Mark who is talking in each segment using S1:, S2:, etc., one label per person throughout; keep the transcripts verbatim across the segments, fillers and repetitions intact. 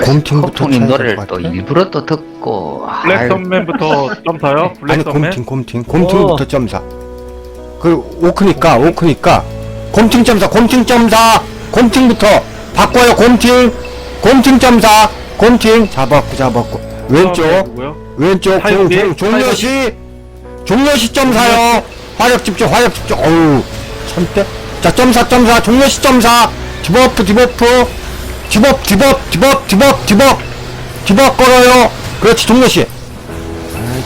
S1: 곰팅부터
S2: 허풍님
S1: 쳐야
S2: 노래를
S1: 될것
S2: 또
S1: 같아.
S2: 일부러 또 듣고.
S3: 블랙
S2: 아유,
S3: 선맨부터 점사요?
S1: 아니
S3: 블랙 선맨?
S1: 곰팅 곰팅 곰팅부터 점사. 그 오크니까 오크니까 곰팅 점사 곰팅 점사 곰팅부터 바꿔요. 곰팅 곰팅 점사 곰팅 잡았고 잡았고 왼쪽
S3: 누구요?
S1: 왼쪽
S3: 타이거비?
S1: 종, 종, 종려시 종려시 점사요. 화력 집중 화력 집중. 어우 참대. 자 점사 점사 종려시 점사 디버프 디버프 디버프 디버프 디버프 디버프 디버프 디버프 걸어요. 그렇지 종려시. 아이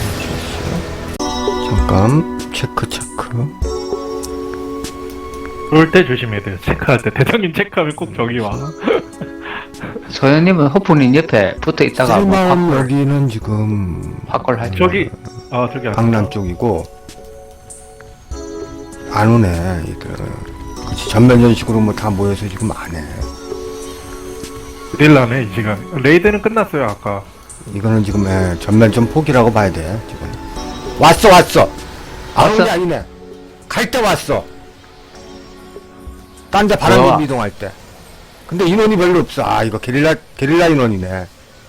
S1: 튀어나와. 잠깐 체크 체크.
S3: 그럴 때 조심해야 돼요. 체크할 때. 대장님 체크하면 꼭 저기 와.
S2: 소연님은 허풍님 옆에 붙어 있다가 뭐
S1: 쌀만
S2: 확,
S1: 여기는 지금
S2: 확골 하지.
S3: 저기, 아, 저기 안
S1: 강남 쪽이고 안 오네 얘들. 그치 전면 전식으로 뭐 다 모여서 지금 안 해.
S3: 릴라네, 이 시간. 레이드는 끝났어요, 아까.
S1: 이거는 지금 에, 전면 좀 포기라고 봐야 돼 지금. 왔어 왔어. 안 오는 게
S2: 왔어?
S1: 아니네. 갈 때 왔어. 딴 데
S2: 뭐야?
S1: 바람 이동할 때. 근데 인원이 별로 없어. 아 이거 게릴라 게릴라 인원이네.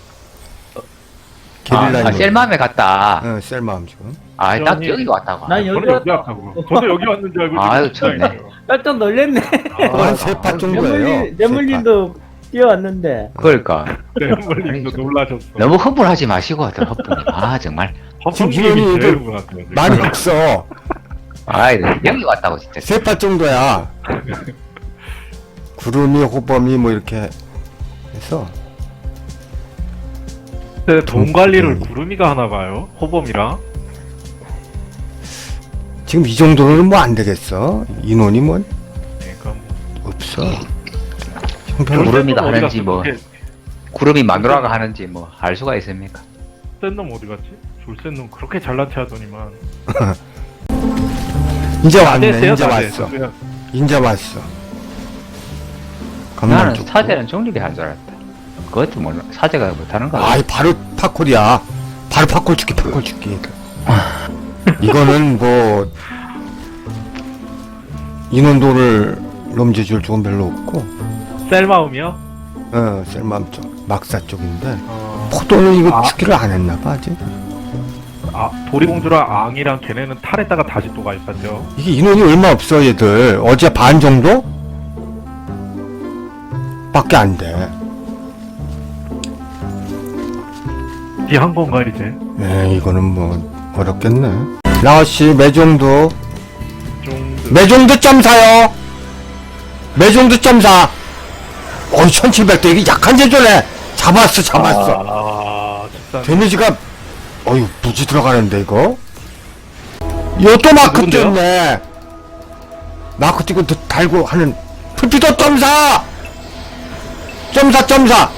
S1: 게릴라
S2: 아,
S1: 인원.
S2: 아, 셀맘에 갔다.
S1: 응 셀마음 지금.
S2: 아, 딱
S3: 저기-
S2: 여기 왔다고.
S4: 난
S3: 저는
S4: 여기
S3: 여기
S4: 왔다.
S3: 왔다고. 저도 여기 왔는 줄 알고.
S2: 아유,
S3: 지금
S2: 참네.
S4: 깜짝 놀랬네.
S1: 한 세 파 정도예요.
S4: 내물린, 내물린도 뛰어왔는데.
S2: 그러니까
S3: 네, 멀리도 놀라셨어.
S2: 너무 허물하지 마시고 하더라 허풍님. 아 정말.
S1: 지금
S3: 허풍님이
S1: 인원이
S3: 제일
S1: 애들
S3: 흥분하세요, 지금.
S1: 많이 없어.
S2: 아 여기 왔다고 진짜.
S1: 세 파 정도야. 구름이 호범이 뭐 이렇게 해서
S3: 근데 돈 관리를
S1: 음.
S3: 구름이가 하나 봐요. 호범이랑.
S1: 지금 이 정도로는 뭐 안 되겠어. 인원이 뭐
S3: 그러니까 뭐.
S1: 없어. 형편
S2: 구름-
S1: 모르.
S2: 구름이가
S3: 어디
S2: 하는지
S3: 갔어?
S2: 뭐.
S3: 그렇게
S2: 구름이 마누라가 하는지 뭐 알 수가 있습니까?
S3: 센 놈 어디 갔지? 졸센 놈 그렇게 잘난 체 하더니만.
S1: 이제
S3: 다
S1: 왔네.
S3: 됐어요,
S1: 이제
S3: 다
S1: 왔어.
S3: 됐어. 그냥
S1: 이제 왔어. 강남
S2: 나는
S1: 쪽.
S2: 사제는 정립이 한 줄 알았다. 그것도 몰라. 사제가 못하는 거야.
S1: 아이 바로 팝콜이야. 바로 팝콜 죽기 팝콜 죽기. 이거는 뭐 인원도를 넘겨줄 쪽은 별로 없고.
S3: 셀마음이요?
S1: 어 셀맘 쪽 막사 쪽인데
S3: 어,
S1: 포도는 이거
S3: 아.
S1: 죽기를 안 했나봐 아직.
S3: 아 도리공주랑 앙이랑 걔네는 탈했다가 다시 또 가입하죠.
S1: 이게 인원이 얼마 없어 얘들. 어제 반 정도? 밖에 안 돼.
S3: 뒤한 건가 이제?
S1: 네, 이거는 뭐 어렵겠네. 라오씨 매종도
S3: 좀
S1: 매종도 점사요. 매종도 점사. 어이 천칠백 대 이게 약한 제조네. 잡았어 잡았어.
S3: 아, 집산.
S1: 데미지가 어휴 무지 들어가는데 이거. 요또 마크
S3: 누군데요?
S1: 띄었네. 마크 띄고 더 달고 하는 풀피도 점사. 점사 점사.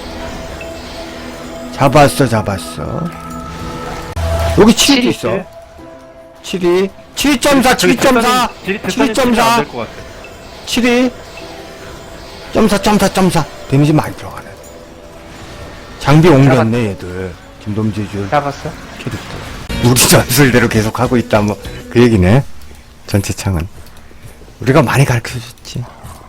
S1: 잡았어 잡았어. 여기 칠이 있어. 칠이 칠 점 사 칠 점 사 칠 점 사
S3: 될것 같아.
S1: 칠이 점사 점사 점사 데미지 많이 들어가네. 장비 옮겼네 얘들. 김돔지줄
S2: 잡았어?
S1: 캐릭터. 우리 전술대로 계속 하고 있다 뭐 그 얘기네. 전체 창은 우리가 많이 가르쳐줬지.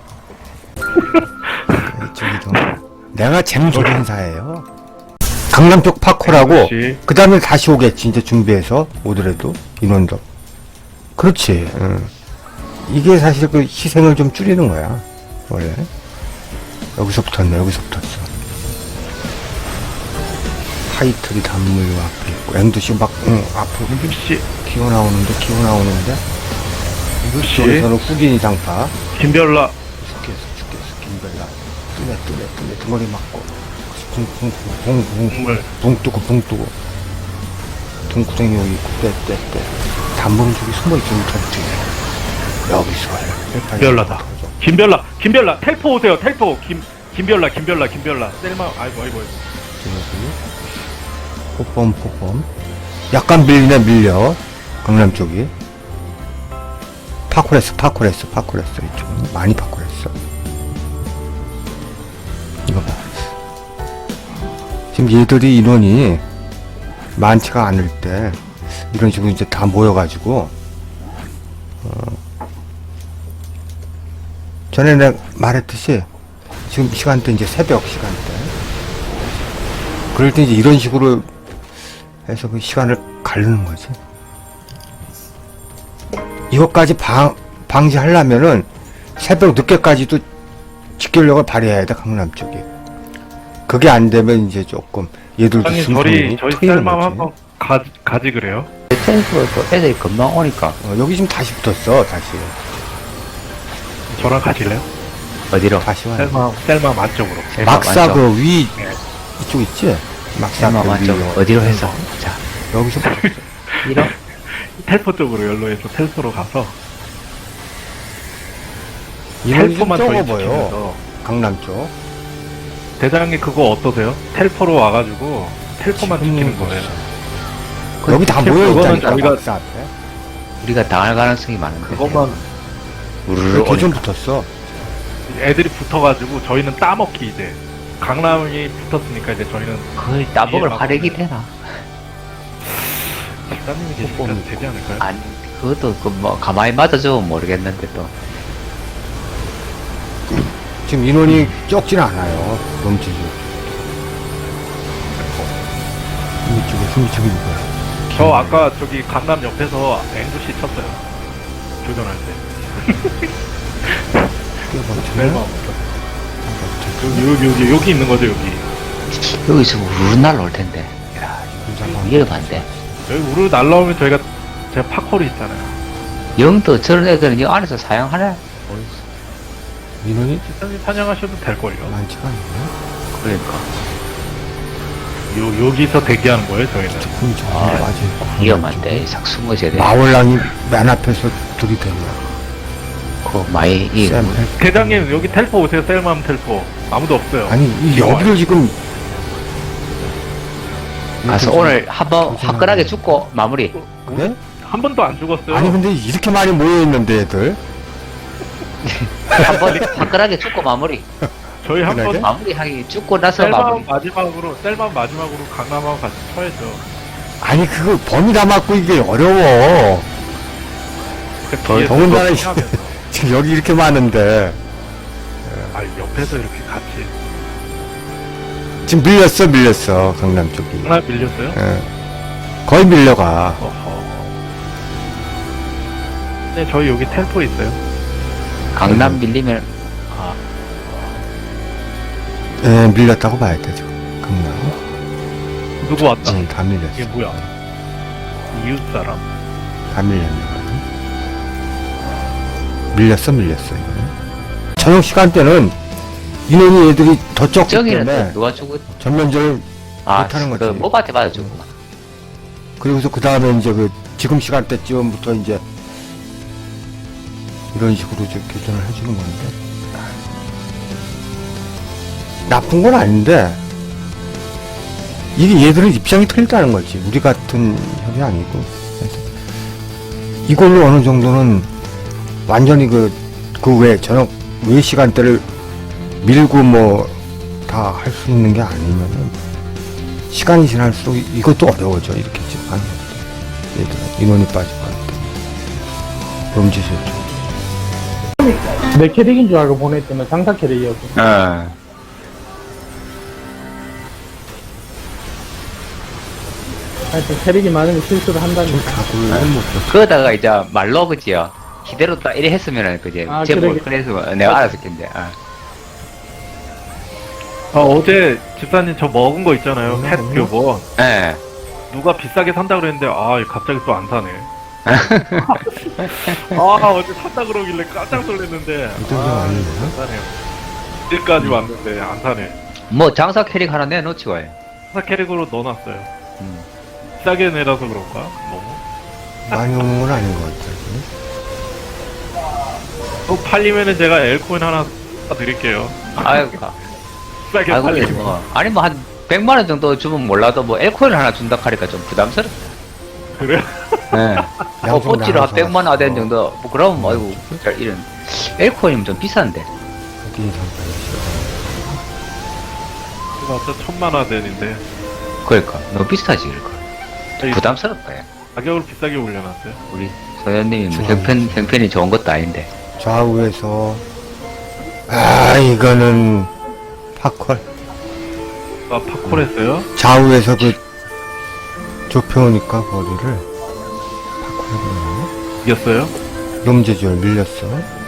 S1: 저기도 내가 잼조련사예요. 강남 쪽 파코라고
S3: 역시.
S1: 그 다음에 다시 오겠지 이제 준비해서 오더라도 인원도. 그렇지. 응. 이게 사실 그 희생을 좀 줄이는 거야 원래. 여기서 붙었네. 여기서 붙었어. 타이틀이 단물 앞에 있고 엠두씨 막 응, 앞으로
S3: 임금씨,
S1: 기어 나오는데 기어 나오는데
S3: 임금씨,
S1: 저기서는 후긴 이상파
S3: 김별라.
S1: 죽겠어 죽겠어 김별라 뚜레 뚜레 뚜레 등거리 맞고 붕붕붕붕붕
S3: 정말
S1: 붕 뜨고 붕 뜨고 등구덩이 여기 있고 떼떼떼 단물은 저기 숨어있지 못한 뒤에 여기서 해
S3: 김별라다. 김별라, 김별라. 텔포 오세요. 텔포. 김 김별라, 김별라, 김별라. 셀마. 아이고, 아이고. 아이고.
S1: 포범 포범 약간 밀리네 밀려 강남 쪽이 파쿠레스 파쿠레스 파쿠레스 이쪽은 많이 파쿠레스. 이거 봐 지금 얘들이 인원이 많지가 않을 때 이런 식으로 이제 다 모여가지고 어 전에 내가 말했듯이 지금 시간대 이제 새벽 시간대 그럴 때 이제 이런 식으로 해서 그 시간을 가르는 거지. 이것까지 방, 방지하려면은 새벽 늦게까지도 직결력을 발휘해야 돼, 강남 쪽에. 그게 안 되면 이제 조금 얘들도
S3: 형님
S1: 숨통이
S3: 저희 저희
S1: 트이는
S3: 셀맘
S1: 거지.
S3: 한번 가 가지 그래요?
S2: 텔포 또 애들이 금방 오니까.
S1: 어, 여기 지금 다시 붙었어, 다시.
S3: 저랑 가실래요?
S2: 어디로?
S1: 다시 와.
S3: 셀맘 셀맘 안쪽으로.
S1: 막사
S2: 안쪽.
S1: 그 위,
S3: 네.
S1: 이쪽 있지? 막사
S2: 셀마
S1: 그
S2: 맞죠?
S1: 위.
S2: 어디로 해서? 자,
S1: 여기서
S2: 이런.
S3: 텔포 쪽으로 연로해서 텔포로 가서
S1: 이런 좀
S3: 텔포만 저희
S1: 적어 보여.
S3: 지키면서
S1: 강남 쪽.
S3: 대장님 그거 어떠세요? 텔포로 와가지고 텔포만
S1: 지금
S3: 지키는 거예요.
S2: 그
S1: 여기 다
S3: 텔포
S1: 모여
S3: 그거는
S1: 있다니까,
S3: 저희가-
S1: 막사 앞에.
S2: 우리가 당할 가능성이 많은데.
S3: 그것만
S2: 우르르
S1: 여기 좀
S2: 오니까.
S1: 붙었어.
S3: 애들이 붙어가지고 저희는 따먹기 이제 강남이 붙었으니까 이제 저희는
S2: 거의 따먹을
S3: 예,
S2: 화력이 되나?
S3: 집사님이 계시니까 되지 않을까요?
S2: 아니, 그것도 그 뭐 가만히 맞아주면 모르겠는데 또.
S1: 지금 인원이 적진 않아요. 넘치죠. 이쪽에 숨이 저기 누구야?
S3: 저 아까 저기 강남 옆에서 앵두씨 쳤어요. 교전할 때. 셀마 여기 여기 여기 여기 있는 거죠 여기.
S2: 여기서 우르르 날라올 텐데. 야, 위험한데.
S3: 여기 우르 날라오면 저희가 제가 팝콜이 있잖아요.
S2: 영도 저런 애들은 이 안에서 사용하네?
S1: 인원이
S3: 집사님 사냥하셔도 될걸요.
S1: 많지가 않네.
S2: 그러니까.
S3: 요 여기서 대기하는 거예요 저희는.
S1: 숨이 저기
S2: 아,
S1: 맞아 있고.
S2: 위험한데, 싹 숨어 져야 돼.
S1: 마월랑이 맨 앞에서 들이대냐.
S2: 그 마이, 이,
S1: 쌤,
S3: 대장님 여기 텔포 오세요. 셀맘 텔포. 아무도 없어요.
S1: 아니, 이 여기를 지금.
S2: 가서
S1: 이렇게
S2: 오늘 한번
S1: 조심하네.
S2: 화끈하게 죽고 마무리.
S1: 그래?
S3: 한 번도 안 죽었어요.
S1: 아니, 근데 이렇게 많이 모여있는데, 애들.
S2: 한번 화끈하게 죽고 마무리.
S3: 저희 한
S1: 그러게?
S3: 번
S2: 마무리하기 죽고 나서
S3: 셀맘
S2: 마무리.
S3: 마지막으로 셀맘 마지막으로 강남하고 같이 쳐야죠.
S1: 아니, 그거 범위 다 맞고 이게 어려워.
S3: 그
S1: 더-
S3: 뒤에서
S1: 더군다나
S3: 이거 하면서.
S1: 지금 여기 이렇게 많은데.
S3: 아 옆에서 이렇게 같이
S1: 지금 밀렸어, 밀렸어. 강남 쪽이.
S3: 하나 밀렸어요?
S1: 예. 거의 밀려가.
S3: 어허. 네 저희 여기 텔포 있어요.
S2: 강남 밀리면,
S3: 아
S1: 예, 밀렸다고 봐야 돼, 지금. 강남.
S3: 누구 왔다?
S1: 응, 다 밀렸어.
S3: 이게 뭐야? 이웃 사람.
S1: 다 밀렸네. 밀렸어, 밀렸어, 이거는. 저녁 시간대는 인원이 애들이 더 적기
S2: 저기는
S1: 때문에
S2: 또 누가 죽을,
S1: 전면전을
S2: 아,
S1: 못하는 거지.
S2: 그 모바한테 맞아 죽고.
S1: 그리고서 그 다음에 이제 그 지금 시간대쯤부터 이제 이런 식으로 이제 교전을 해주는 건데 나쁜 건 아닌데 이게 얘들은 입장이 틀리다는 거지. 우리 같은 협이 아니고. 그래서 이걸로 어느 정도는 완전히 그 그 외 저녁 외 시간대를 밀고 뭐 다 할 수 있는 게 아니면은 시간이 지날수록 이- 이것도 어려워져. 이렇게 지금 하는 것도. 얘들은 인원이 빠지고 하니까. 범죄수였죠.
S4: 내 캐릭인 줄 알고 보냈더니 상사 캐릭이었고.
S2: 어.
S4: 하여튼 캐릭이 많으면 실수를 한다니.
S1: 각을 못 줬어.
S2: 그러다가 이제 말로 그지요. 기대로 딱 이래 했으면은 그지.
S4: 아,
S2: 제뭐
S4: 그러게.
S2: 그래서 내가 알았을 텐데. 아.
S3: 아 어제 집사님 저 먹은 거 있잖아요.
S1: 음,
S3: 펫
S1: 음.
S3: 교본.
S2: 예.
S3: 누가 비싸게 산다 그랬는데 아 갑자기 또 안 사네. 아 어제 산다 그러길래 깜짝 놀랐는데
S1: 이 정도
S3: 아,
S1: 아니에요?
S3: 안 사네요. 이제까지 왔는데 안 사네.
S2: 뭐 장사 캐릭 하나 내놓지 와요.
S3: 사 캐릭으로 넣어놨어요.
S2: 음.
S3: 비싸게 내라서 그런가? 너무.
S1: 많이 오는 건 아닌 것 같아요.
S3: 또 팔리면은 제가 엘코인 하나 드릴게요.
S2: 아이고. 가.
S3: 비싸게
S2: 아이고,
S3: 팔리면.
S2: 뭐. 아니 뭐 한 백만 원 정도 주면 몰라도 뭐 엘코인 하나 준다 하니까 좀 부담스럽다.
S3: 그래요?
S2: 예. 뭐
S1: 양손
S2: 뽀찌로 한
S1: 나눠서
S2: 백만 원 하는
S1: 어.
S2: 정도. 뭐 그러면 뭐 아이고 잘 이런 엘코인이면 좀 비싼데.
S1: 거기 상태가
S3: 이거 어차 천만 원 되는데
S2: 그러니까 너무 비싸지 그러니까.
S3: 저희
S2: 부담스럽다. 야.
S3: 가격을 비싸게 올려놨어요.
S2: 우리 소연님이 뭐
S1: 좋아요.
S2: 형편 형편이 좋은 것도 아닌데.
S1: 좌우에서 아 이거는 팝컬
S3: 아, 파콜했어요?
S1: 좌우에서 그 좁혀오니까 거리를 파쿠르
S3: 이겼어요?
S1: 놈제주얼 밀렸어.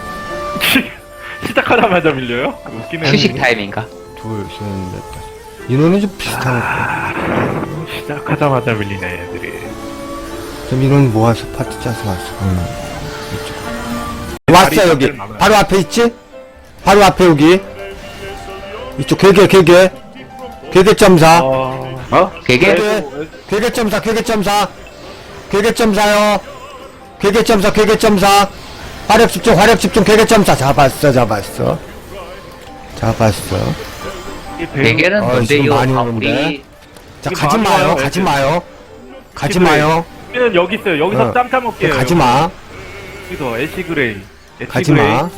S3: 시작하자마자 밀려요? 웃기네.
S2: 휴식 타임인가?
S1: 둘, 셋, 넷, 다섯. 인원은 좀 비슷한 것 같아.
S3: 시작하자마자 밀리네, 애들이.
S1: 좀 인원 모아서 파티 짜서 왔어. 응. 이쪽. 왔어, 여기. 바로 앞에 있지? 바로 앞에 여기. 이쪽 괴계, 괴계. 괴계점사.
S3: 어,
S2: 어? 되게
S1: 괴계. 괴계점사, 괴계점사. 괴계점사요. 괴계점사, 괴계점사. 화력 집중, 화력 집중, 괴계점사. 잡았어, 잡았어. 잡았어.
S3: 이 배우-
S2: 대게는
S1: 어,
S2: 뭔데
S1: 지금
S2: 이거
S1: 많이
S2: 아,
S1: 오는데.
S2: 우리
S1: 자,
S3: 이게
S1: 가지
S3: 많이
S1: 마요,
S3: 와요,
S1: 가지
S3: 애들.
S1: 마요. 가지
S3: 애쉬
S1: 마요.
S3: 우리는 여기 있어요. 여기서
S1: 어.
S3: 짬짬 먹게요.
S1: 가지 마.
S3: 여기서 애쉬 그레이. 애쉬
S1: 가지
S3: 그레이.
S1: 마.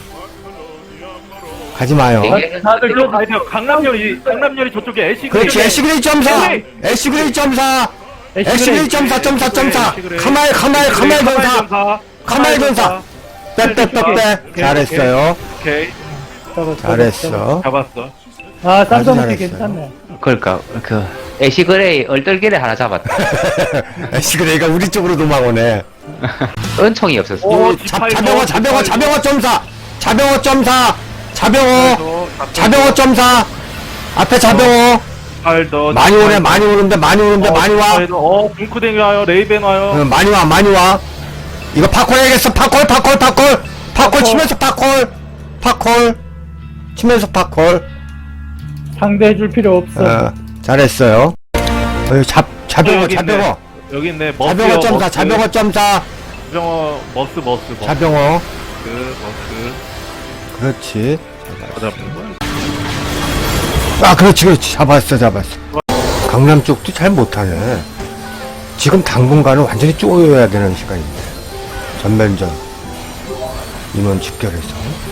S1: 가지 마요.
S2: 대게는
S3: 다들 일로 가야 돼요. 강남열이, 강남열이 저쪽에 애쉬 그레이.
S1: 그렇지, 애쉬그레이 점사! 애쉬그레이 점사! 애쉬그레이 점사, 점사, 점사! 카마일, 카마일, 카마일 점사! 카마일 점사! 빼, 빼, 빼, 빼! 잘했어요.
S3: 오케이.
S4: 잡았어,
S1: 잘했어.
S3: 잡았어.
S4: 아,
S1: 아주
S4: 쌈싸먹기
S1: 잘했어요.
S4: 괜찮네.
S2: 그러니까 그 애쉬그레이 얼떨결에 하나 잡았다.
S1: 애쉬그레이가 우리 쪽으로 도망오네.
S2: 은총이 없었어.
S3: 오,
S1: 이 자,
S3: 디파이버,
S1: 자병어, 자병어,
S3: 디파이버.
S1: 자병어 점사! 자병어 점사! 자병어!
S3: 자,
S1: 자병어 점사! 앞에 자병어!
S3: 디파이더,
S1: 많이 오네,
S3: 디파이더.
S1: 많이 오는데, 많이 오는데, 많이 와!
S3: 디파이더. 어, 붕크댕이 와요. 레이벤 와요.
S1: 어, 많이 와, 많이 와! 이거 파콜 해야겠어, 파콜, 파콜, 파콜! 파콜 치면서 파콜! 파콜! 치면서 파콜!
S4: 상대해줄 필요 없어.
S1: 어, 잘했어요. 어, 잡, 자병어,
S3: 여기 있네.
S1: 자병어.
S3: 여기 있네. 머스요,
S1: 자병어 점사,
S3: 머스.
S1: 자병어 점사.
S3: 자병어, 머스, 머스, 머스.
S1: 자병어.
S3: 머스.
S1: 그렇지.
S3: 더 잡는 거야?
S1: 아, 그렇지, 그렇지. 잡았어, 잡았어. 강남 쪽도 잘 못하네. 지금 당분간은 완전히 쪼여야 되는 시간인데. 전면전. 인원 집결해서.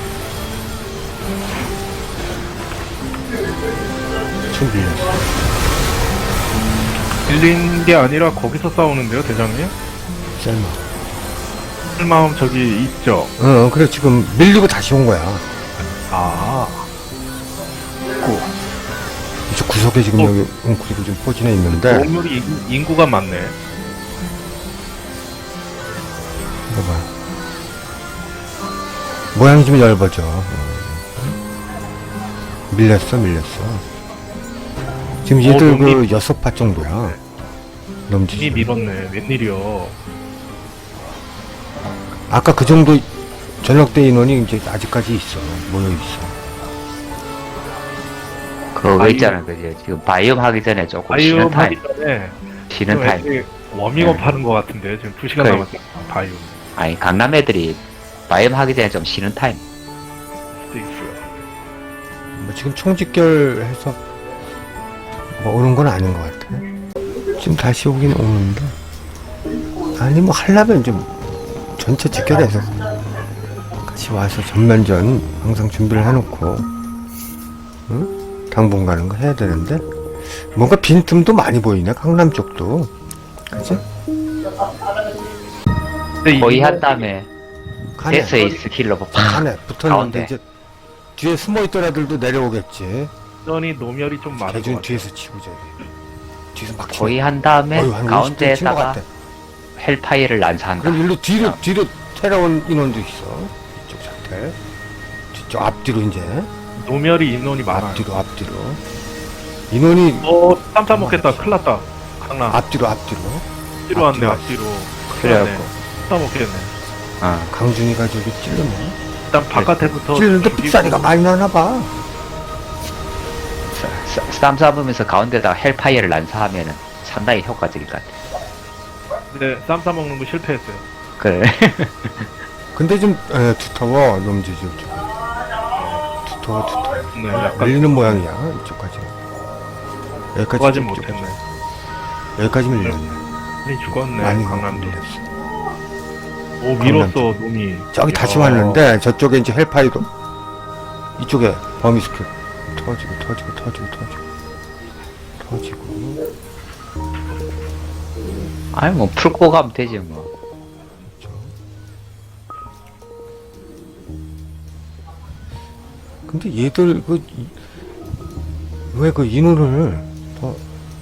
S1: 준비했어.
S3: 밀린 게 아니라 거기서 싸우는데요, 대장님?
S1: 셀마.
S3: 실마음 저기 있죠.
S1: 어, 그래, 지금 밀리고 다시 온 거야.
S3: 아,
S1: 이쪽 구석에 지금
S3: 어.
S1: 여기 웅크리고 좀 포진해 있는데.
S3: 동물이 인- 인구가 많네.
S1: 이거 봐. 모양이 좀 얇아져. 어. 밀렸어, 밀렸어. 지금
S3: 어,
S1: 얘들 그
S3: 넘기-
S1: 여섯 파 정도야.
S3: 이미
S1: 넘지.
S3: 밀었네. 웬일이요.
S1: 아까 그 정도 저녁 때 인원이 이제 아직까지 있어. 모여 있어.
S2: 그거
S3: 바이옴.
S2: 있잖아, 그지? 지금 바이옴 하기 전에 조금 쉬는
S3: 바이옴
S2: 타임.
S3: 하기 전에
S2: 쉬는
S3: 좀
S2: 타임.
S3: 애들이 워밍업
S2: 네.
S3: 하는 것 같은데 지금 두 시간
S2: 그래.
S3: 남았어. 바이옴
S2: 아니 강남 애들이 바이옴 하기 전에 좀 쉬는 타임.
S3: 수도 있어요.
S1: 뭐 지금 총집결해서 뭐 오는 건 아닌 것 같아. 지금 다시 오긴 오는데. 아니 뭐 하려면 좀 전체 집결해서 같이 와서 전면전 항상 준비를 해놓고 응? 당분 가는 거 해야 되는데 뭔가 빈틈도 많이 보이네. 강남 쪽도. 그치?
S3: 근데
S2: 거의
S3: 이거
S2: 한 다음에
S1: 가네.
S2: 데스에이스 킬러 뽑
S1: 가네. 붙었는데
S2: 가운데.
S1: 이제 뒤에 숨어있던 애들도 내려오겠지.
S3: 전이 노멸이 좀 많은 것
S1: 대준
S3: 같아요.
S1: 뒤에서 치고 저기 뒤에서 막
S2: 거의
S1: 치고.
S2: 한 다음에
S1: 어휴, 한 오십 대 친것
S2: 가운데에다가
S1: 같아.
S2: 헬파이어를 난사한다.
S1: 그럼 일로 뒤로
S2: 어.
S1: 뒤로 테러온 인원도 있어. 이쪽 상태. 뒤쪽 앞뒤로 이제
S3: 노멸이 인원이 많아요.
S1: 앞뒤로 앞뒤로 인원이
S3: 어, 쌈싸 먹겠다. 큰일 났다. 강남.
S1: 앞뒤로 앞뒤로.
S3: 앞뒤로 왔네,
S1: 앞뒤로
S3: 앞뒤로.
S2: 그래갖고
S3: 쌈싸 먹겠네.
S2: 어.
S1: 강준이가 저기 찔르네.
S3: 일단 바깥에부터.
S1: 찔르는데
S3: 죽이고.
S1: 삑사리가 많이 나나 봐.
S2: 쌈 싸보면서 가운데다가 헬파이어를 난사하면은 상당히 효과적일 것 같아.
S3: 근데 쌈싸 먹는 거 실패했어요.
S2: 그래.
S1: 근데 좀 에, 두터워 놈지 좀. 두터워 두터워.
S3: 네, 약간
S1: 밀리는 모양이야 이쪽까지. 여기까지
S3: 그거까진
S1: 쭉, 쭉,
S3: 못했네.
S1: 여기까지 밀렸네.
S3: 많이 죽었네.
S1: 많이
S3: 강남도.
S1: 밀렸어.
S3: 오, 밀었어, 놈이.
S1: 저기 다시
S3: 야.
S1: 왔는데 저쪽에 이제 헬파이도 이쪽에 범위 스킬 터지고 터지고 터지고 터지고 터지고.
S2: 아니 뭐 풀고 가면 되지 뭐.
S1: 근데 얘들 그 왜 그 인원을 더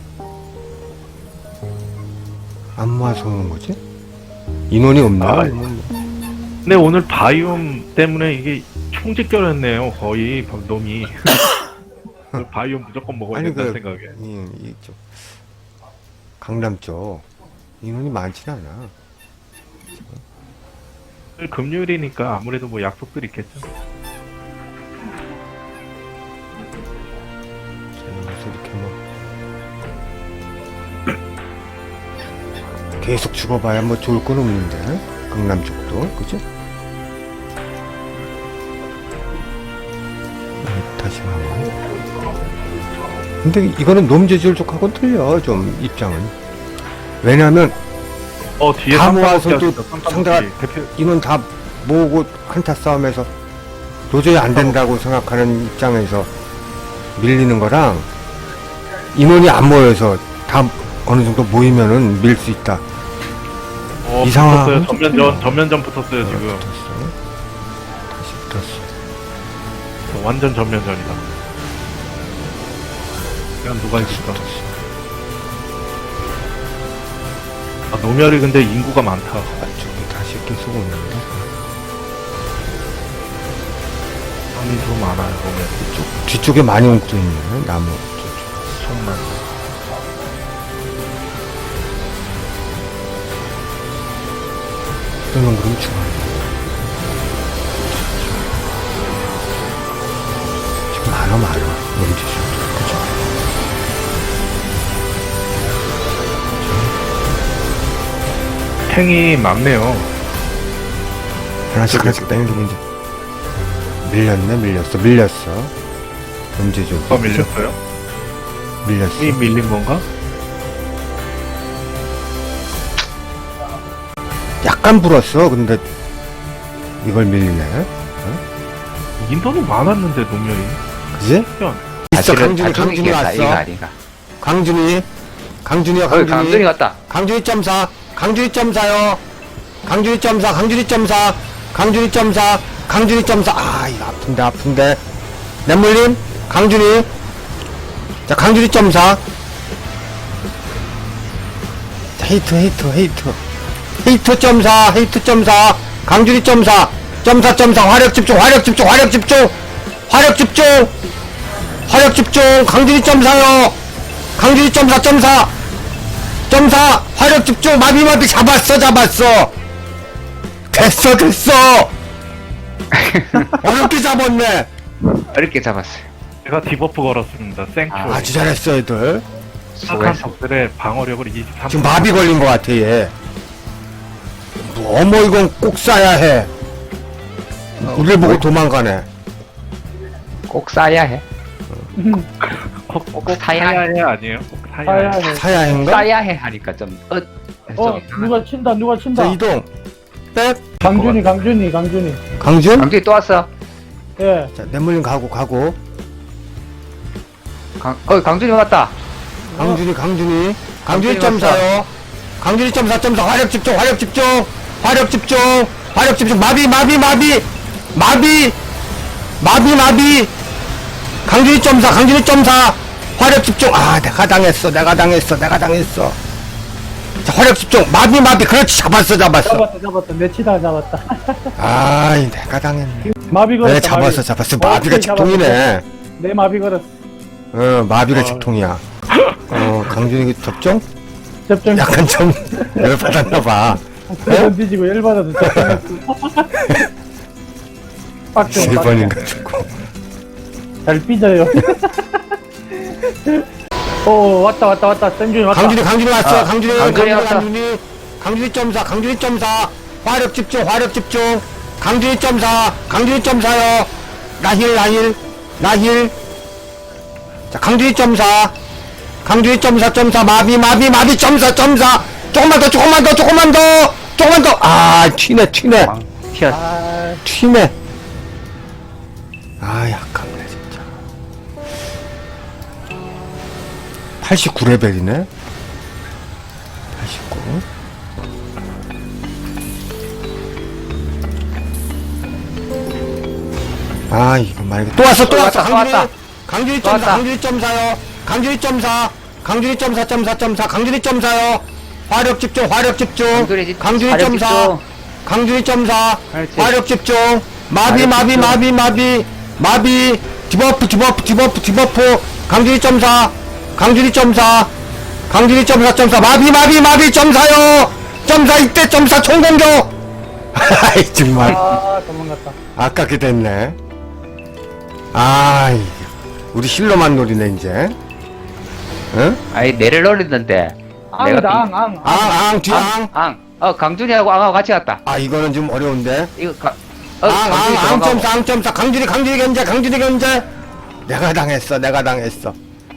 S1: 안 모아서 오는 거지? 인원이 없나?
S3: 아,
S1: 아니면 뭐.
S3: 근데 오늘 바이옴 때문에 이게 총집결했네요. 거의 놈이. 오늘 바이옴 무조건 먹어야
S1: 아니,
S3: 된다는
S1: 그-
S3: 생각에.
S1: 이, 이쪽 강남 쪽 인원이 많진 않아.
S3: 오늘 금요일이니까 아무래도 뭐 약속들 있겠죠.
S1: 그래서 이렇게 뭐 계속 죽어봐야 뭐 좋을 건 없는데 강남 쪽도 그죠? 음, 다시 한번. 근데 이거는 놈재질 쪽하고는 틀려 좀 입장은. 왜냐면
S3: 어 뒤에
S1: 다
S3: 삼삼오칠
S1: 모아서도
S3: 하시죠, 삼삼오칠.
S1: 상대가-
S3: 대표
S1: 인원 다 모으고 한타 싸움에서 도저히 안 된다고 생각하는 입장에서 밀리는 거랑 인원이 안 모여서 다 어느 정도 모이면은 밀 수 있다.
S3: 어,
S1: 이 상황은
S3: 붙었어요.
S1: 좀
S3: 전면전
S1: 틀려.
S3: 전면전 붙었어요 지금.
S1: 붙었어. 다시 붙었어.
S3: 완전 전면전이다. 그냥 누가 있을까? 아 노멸이 근데 인구가 많다.
S1: 안쪽에 다시 계속 오는데
S3: 사람이 좀 많아요 노멸.
S1: 뒤쪽, 뒤쪽에 많이 옮겨 있네 나무 쪽.
S3: 정말.
S1: 그러면 그럼 죽어. 지금 많아 많아 놈짓이 그죠?
S3: 탱이 많네요.
S1: 하나씩 하나씩 땡기면 이제 밀렸네 밀렸어 밀렸어 놈짓이
S3: 누가 밀렸어요?
S1: 밀렸어.
S3: 이 밀린 건가?
S1: 약간 불었어. 근데 이걸 밀리네.
S3: 인원이 많았는데 노멸이.
S1: 그지?
S3: 희한.
S1: 있어.
S2: 사실은
S1: 강준이
S2: 다
S1: 강준이
S2: 죽이겠다, 이거
S1: 왔어.
S2: 아닌가.
S1: 강준이 강준이야
S2: 거기 강준이
S1: 강준이
S2: 갔다.
S1: 강준이 점사 강준이 점사요. 강준이 점사 강준이 점사 강준이 점사 강준이 점사. 아 이거 아픈데 아픈데. 내물림 강준이. 자 강준이 점사. 자, 헤이트 헤이트 헤이트. 헤이트 점사 헤이트 점사 강준이 점사 점사 점사 화력 집중 화력 집중 화력 집중 화력 집중 화력 집중 강준이 점사요 강준이 점사 점사 점사 화력 집중 마비 마비 잡았어 잡았어 됐어 됐어 어렵게 잡았네.
S2: 어렵게 잡았어요.
S3: 제가 디버프 걸었습니다. 생큐.
S2: 아,
S1: 아주 잘했어 애들.
S3: 착한
S2: 수고했어.
S3: 적들의 방어력을 이십삼.
S1: 지금 마비 걸린 것 같아 얘. 어머 이건 꼭 쏴야 해. 우리를 보고 도망가네.
S2: 꼭 싸야 해.
S3: 꼭, 꼭
S2: 사야
S3: 사야 해 아니에요? 꼭 사야
S4: 사야
S3: 해.
S4: 해.
S1: 사야인가?
S2: 싸야 해 하니까 좀 어.
S4: 어,
S2: 좀
S4: 누가 친다, 누가
S1: 자
S4: 친다.
S1: 이동. 백.
S4: 강준이, 강준이, 강준이.
S1: 강준?
S2: 강준이 또 왔어.
S4: 예.
S1: 자 내물림 가고 가고.
S2: 강, 어 강준이 왔다.
S1: 강준이 강준이. 강준이
S2: 강준이
S1: 점사요. 강준이 점사 점사 화력 집중 화력 집중 화력 집중 화력 집중 마비 마비 마비 마비 마비 마비 강준이 점사 강준이 점사 화력 집중. 아 내가 당했어 내가 당했어 내가 당했어. 자 화력 집중 마비 마비 그렇지 잡았어 잡았어.
S4: 잡았다, 잡았다. 내 치다가 잡았다.
S1: 아이 내가 당했네.
S4: 마비 걸었다.
S1: 네 잡았어
S4: 마비.
S1: 잡았어.
S4: 오케이,
S1: 마비가 직통이네.
S4: 내 마비 걸었어.
S1: 어 마비가
S3: 어.
S1: 직통이야. 어 강준이 그 접종?
S4: 접종.
S1: 약간 좀 열받았나봐.
S4: 한 뒤지고 열받아서 접종했어. 빡쳐.
S1: 세 번인가 죽고.
S4: 잘 삐져요. 오, 왔다, 왔다, 왔다. 땡준이 왔다.
S1: 강준이 강준이 왔어.
S2: 아,
S1: 강준이
S2: 강준이
S1: 강준이
S2: 왔다.
S1: 강준이 강준이 점사 강준이 점사 화력 집중 화력 집중 강준이 점사 강준이 점사요. 나힐 나힐 나힐. 자 강준이 점사 강준이 점사 점사 마비 마비 마비 점사 점사 조금만 더 조금만 더 조금만 더 조금만 더아 튀네 튀네
S2: 왕 튀었어.
S4: 아,
S1: 튀네. 아 약하네 진짜. 팔십구 레벨이네. 팔십구. 아 이거 만약에 또 왔어 또
S2: 또
S1: 왔어
S2: 왔다, 또
S1: 강준이
S2: 왔다.
S1: 강준이 점사
S2: 좋았다.
S1: 강준이 점사요 강준이 점사 강준이 점사 점사 점사 강준이 점사요 화력 집중 화력 집중
S2: 강준이 집-
S1: 강준이
S2: 화력
S1: 점사
S2: 집중.
S1: 강준이 점사
S2: 그렇지.
S1: 화력 집중 마비
S2: 화력
S1: 마비
S2: 집중.
S1: 마비 마비 마비 디버프 디버프 디버프 디버프 강준이 점사 강준이 점사 강준이 점사 점사 마비 마비 마비 점사요 점사 이때 점사 총공격 아이 정말
S4: 아, 도망갔다.
S1: 아깝게 됐네. 아, 이 우리 실로만 노리네 이제. 응?
S2: 아니 내를 노리는데
S4: 앙이다,
S2: 내가
S4: 앙, 앙.
S1: 앙, 앙, 뒤
S2: 앙,
S1: 앙.
S2: 앙. 어 강준이하고 앙하고 같이 갔다.
S1: 아, 이거는 좀 어려운데.
S2: 이거 가, 어,
S1: 앙, 앙,
S2: 강준이
S1: 앙,
S2: 도망가고.
S1: 점사, 앙, 점사. 강준이, 강준이 견제, 강준이 견제. 내가 당했어, 내가 당했어.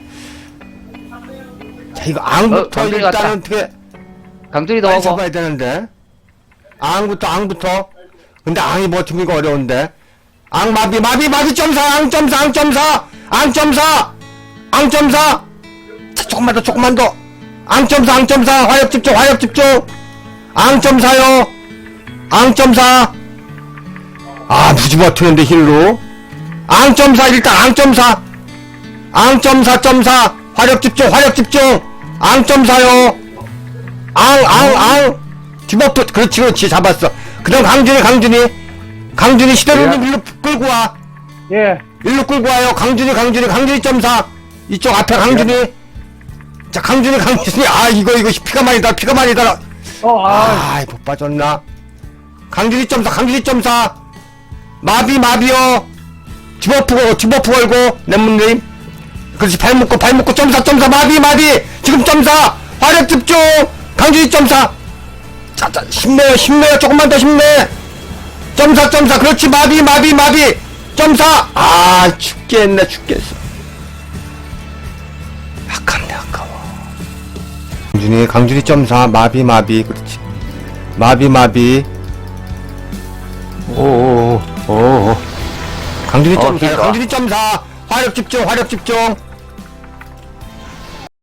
S1: 자, 이거 앙부터
S2: 어, 강준이
S1: 일단
S2: 갔다.
S1: 어떻게
S2: 강준이도
S1: 빨리
S2: 오고.
S1: 잡아야 되는데. 앙부터, 앙부터. 근데 앙이 버티는 거 어려운데. 앙 마비, 마비, 마비 점사, 앙 점사, 앙 점사, 앙 점사, 앙 점사. 자, 조금만 더, 조금만 더. 앙 점사, 앙 점사, 화력 집중, 화력 집중. 앙 점사요. 앙 점사. 아, 무지 버티는데 힐로. 앙 점사, 일단 앙 점사. 앙 점사, 점사. 화력 집중, 화력 집중. 앙 점사요. 앙, 앙, 앙. 디버프, 그렇지, 그렇지, 잡았어. 그 다음 강준이, 강준이. 강준이 시대로는
S2: 예.
S1: 일로 끌고 와.
S4: 예.
S1: 일로 끌고 와요. 강준이, 강준이, 강준이 점사. 이쪽 앞에 강준이. 자, 강준이, 강준이. 아, 이거, 이거, 피가 많이 달, 피가 많이 달.
S4: 어, 아,
S1: 아, 못 빠졌나? 강준이 점사, 강준이 점사. 마비, 마비요. 디버프, 디버프 걸고, 넷문님. 그렇지, 발 묶고, 발 묶고, 점사, 점사, 마비, 마비. 지금 점사. 화력 집중. 강준이 점사. 자, 자, 힘내요, 힘내요. 조금만 더 힘내. 점사, 점사. 그렇지, 마비, 마비, 마비. 점사. 아, 죽겠네, 죽겠어. 아깝네, 아까워. 강준이, 강준이 점사. 마비, 마비. 그렇지. 마비, 마비. 오오오, 오오. 강준이
S2: 어,
S1: 점사,
S2: 길다.
S1: 강준이 점사. 화력 집중, 화력 집중.